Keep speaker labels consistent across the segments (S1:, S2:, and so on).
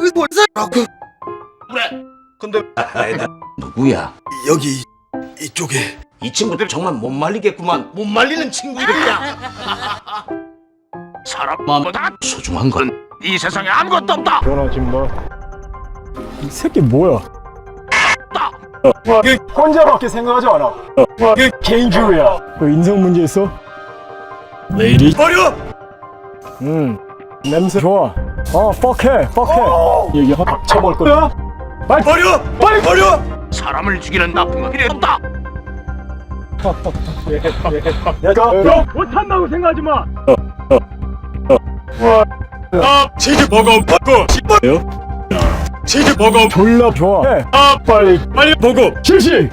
S1: 여기 뭐 사라고.
S2: 그래. 근데
S3: 아니다. 누구야?
S1: 여기 이쪽에.
S3: 이 친구들 정말 못 말리겠구만. 못 말리는 친구들이야.
S2: 사람마다
S3: 소중한 건
S2: 이 세상에 아무것도 없다.
S4: 전하지 마. 이 새끼 뭐야?
S2: 이
S4: 혼자밖에 생각하지 않아. 개인주의야. 너 인성 문제 있어? 왜 이리?
S2: 버려.
S4: 냄새 좋아. 뻑해. 얘기 확 쳐볼 거야. 빨리
S2: 버려.
S4: 빨리
S2: 버려. 사람을 죽이는 나쁜 건 필요 없다.
S4: 내가 못한다고 생각하지 마.
S2: 치즈버거 받고 치즈버거
S4: 졸라 좋아. 빨리
S2: 버거.
S4: 실시.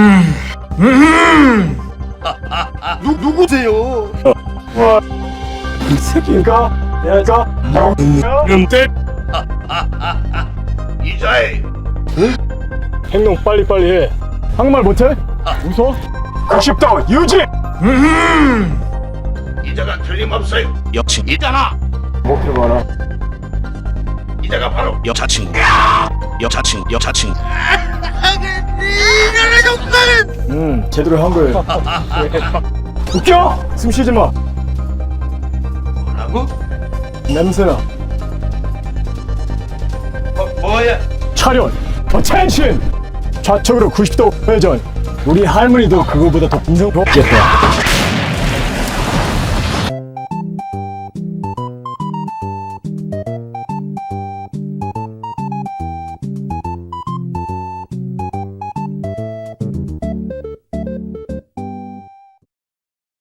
S1: 누구세요?
S4: 이 새끼가 내가
S2: 음대 이자에
S4: 행동 빨리 해. 한국말 못해? 웃어? 90도 유지.
S2: 이자가 틀림없어요.
S3: 역시
S2: 이잖아.
S4: 목표 봐라.
S2: 이자가 바로
S3: 여자친구. 여자친구.
S4: 제대로 한 거예요. 웃겨? 숨 쉬지 마.
S2: 뭐라고?
S4: 냄새나.
S2: 뭐야?
S4: 차렷. 어텐션. 좌측으로 90도 회전. 우리 할머니도 그거보다 더 인성 좋겠다.